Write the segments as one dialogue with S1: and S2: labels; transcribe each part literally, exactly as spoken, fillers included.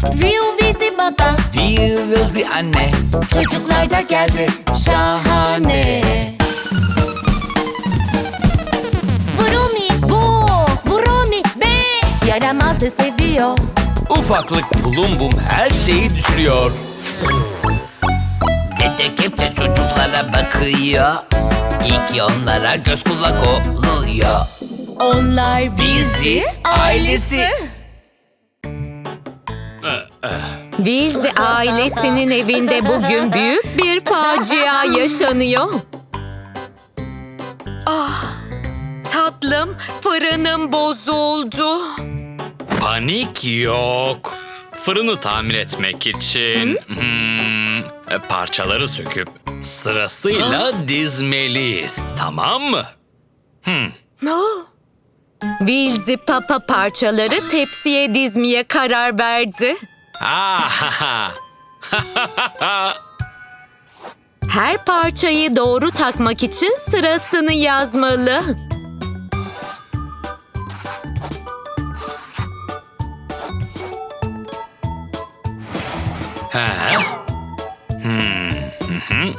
S1: Viu vizi baba,
S2: Viu vizi anne.
S1: çocuklar da geldi, şahane. Vroomi, bu, Vroomi, be. Yaramazı seviyor.
S2: Ufaklık bulum bum her şeyi düşürüyor. Dede kepçe çocuklara bakıyor. İyi ki onlara göz kulak oluyor.
S1: Onlar
S2: Vizi ailesi.
S3: Vizi ailesinin evinde bugün büyük bir facia yaşanıyor. Ah, tatlım, fırınım bozuldu.
S4: Panik yok. Fırını tamir etmek için hmm, e, parçaları söküp sırasıyla dizmeliyiz, tamam mı?
S3: Vizi papa parçaları tepsiye dizmeye karar verdi.
S4: Ah,
S3: Her parçayı doğru takmak için sırasını yazmalı.
S4: ha. Hmm, hı hı.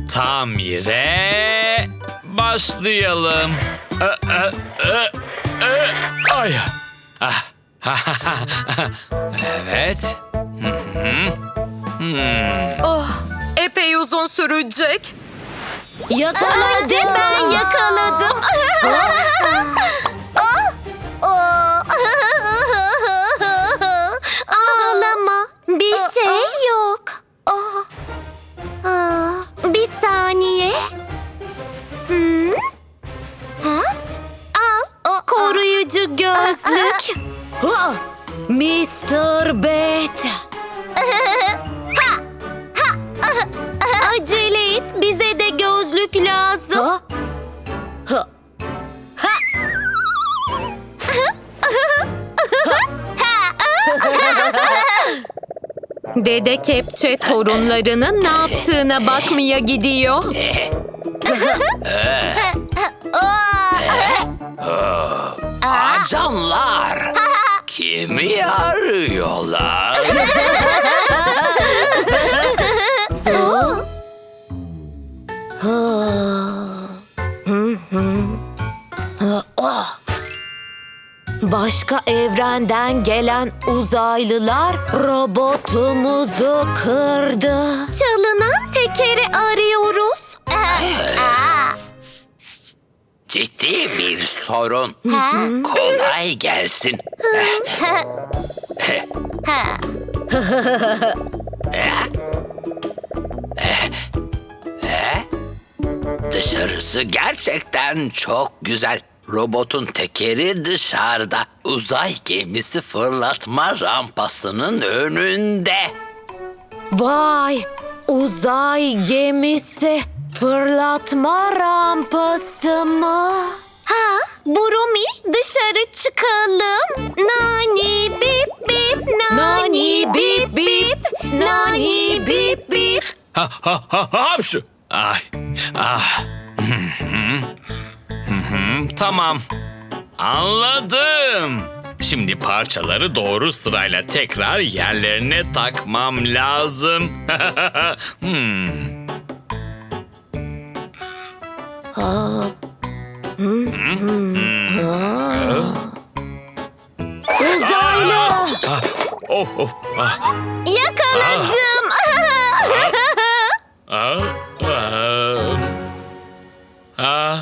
S4: Tamire başlayalım. Ö, ö, ö, ö. Ay. Ah. Evet. Hı hı. Hmm.
S3: Oh, epey uzun sürecek.
S1: Önce ben yakaladım. Ağlama, bir şey yok. Bir saniye. Hmm? Ha? Al.
S3: Koruyucu gözlük. Ha, mister Bet.
S1: Acele et, bize de gözlük lazım.
S3: Dede Kepçe torunlarının ne yaptığına bakmaya gidiyor.
S2: Ajanlar. Kimi arıyorlar?
S3: Başka evrenden gelen uzaylılar robotumuzu kırdı.
S1: Çalınan tekeri arıyoruz.
S2: Ciddi bir sorun. Kolay gelsin. Dışarısı gerçekten çok güzel. Robotun tekeri dışarıda. Uzay gemisi fırlatma rampasının önünde.
S3: Vay! Uzay gemisi fırlatma rampası mı?
S1: Ha, Vroomi, dışarı çıkalım. Nani bip bip, nani bip bip, nani bip bip.
S4: Ha ha ha hapşu. Ay. Ah. Hı hı. Hı hı. Tamam. Anladım. Şimdi parçaları doğru sırayla tekrar yerlerine takmam lazım. hmm.
S3: Uzaylı!
S4: Ah, of of. Ah,
S1: Yakaladım.
S4: ah, ah, ah.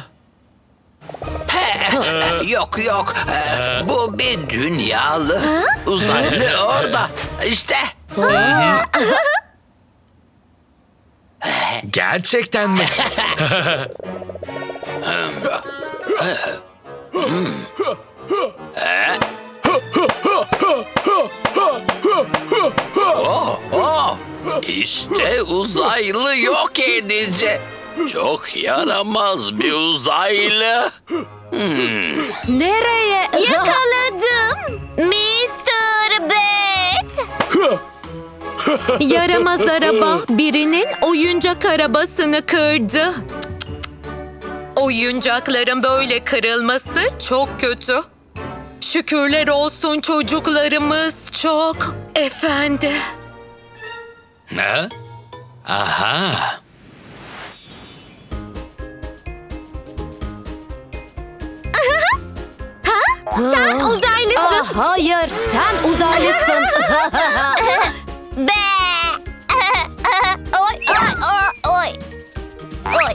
S2: Yok yok. Ee, bu bir dünyalı. Uzaylı orada. İşte.
S4: Gerçekten mi?
S2: Oh, oh. İşte uzaylı yok edici. Çok yaramaz bir uzaylı.
S3: Nereye?
S1: Yakaladım. mister Bet.
S3: Yaramaz araba birinin oyuncak arabasını kırdı. Oyuncakların böyle kırılması çok kötü. Şükürler olsun çocuklarımız çok efendi.
S4: Ne? Aha.
S3: Sen uzaylısın.
S1: Ah, hayır, sen uzaylısın.
S5: Be. Oy oy oy oy. Oy.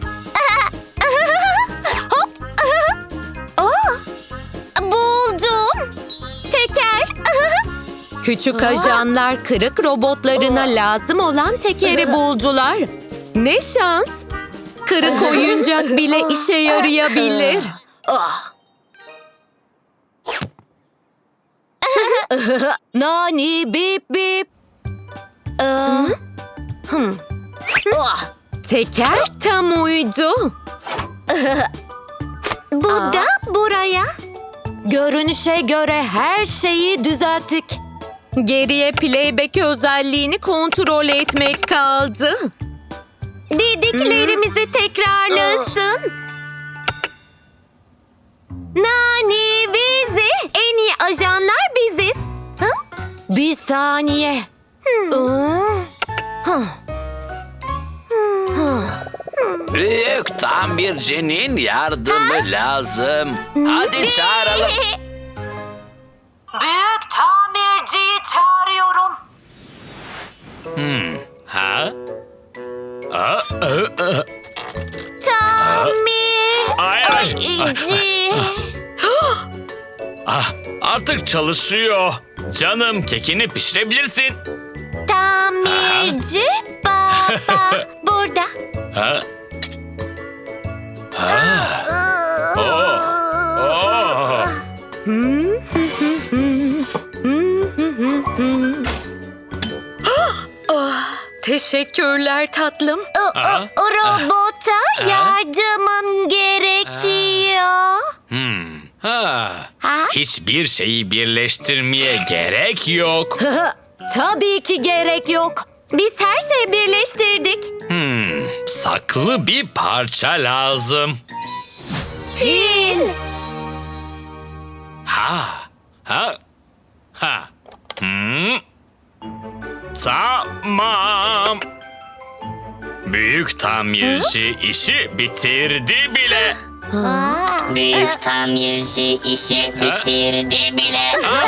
S3: Hop. Oh, buldum. Teker. Küçük ajanlar kırık robotlarına lazım olan tekeri buldular. Ne şans. Kırık oyuncak bile işe yarayabilir.
S1: Nani bip bip. Aa,
S3: Teker tam uydu. Bu da buraya.
S1: görünüşe göre her şeyi düzelttik.
S3: Geriye playback özelliğini kontrol etmek kaldı. Dediklerimizi tekrarlasın. Nani bizi, en iyi ajanlar biziz. Hı?
S1: Bir saniye.
S2: Büyük tamircinin yardımı lazım. Hadi çağıralım.
S1: Büyük tamirciyi çağırıyorum.
S4: Ha? Aa, aa, aa.
S5: Tamir.
S4: Ay, ay, ay.
S5: İci.
S4: Ah, artık çalışıyor. Canım, kekini pişirebilirsin.
S5: Tamirci baba burada.
S4: Ha? Oh, oh.
S3: Teşekkürler tatlım.
S5: O, o, o robota yardımın gerekiyor.
S4: Ha.
S5: Ha?
S4: Hiçbir şeyi birleştirmeye gerek yok.
S1: Tabii ki gerek yok.
S3: Biz her şeyi birleştirdik.
S4: Saklı bir parça lazım.
S1: Fil.
S4: Ha. Ha. Ha. Hmm. Tamam. Büyük tamirci işi bitirdi bile.
S6: Büyük tamirci işi bitirdi bile.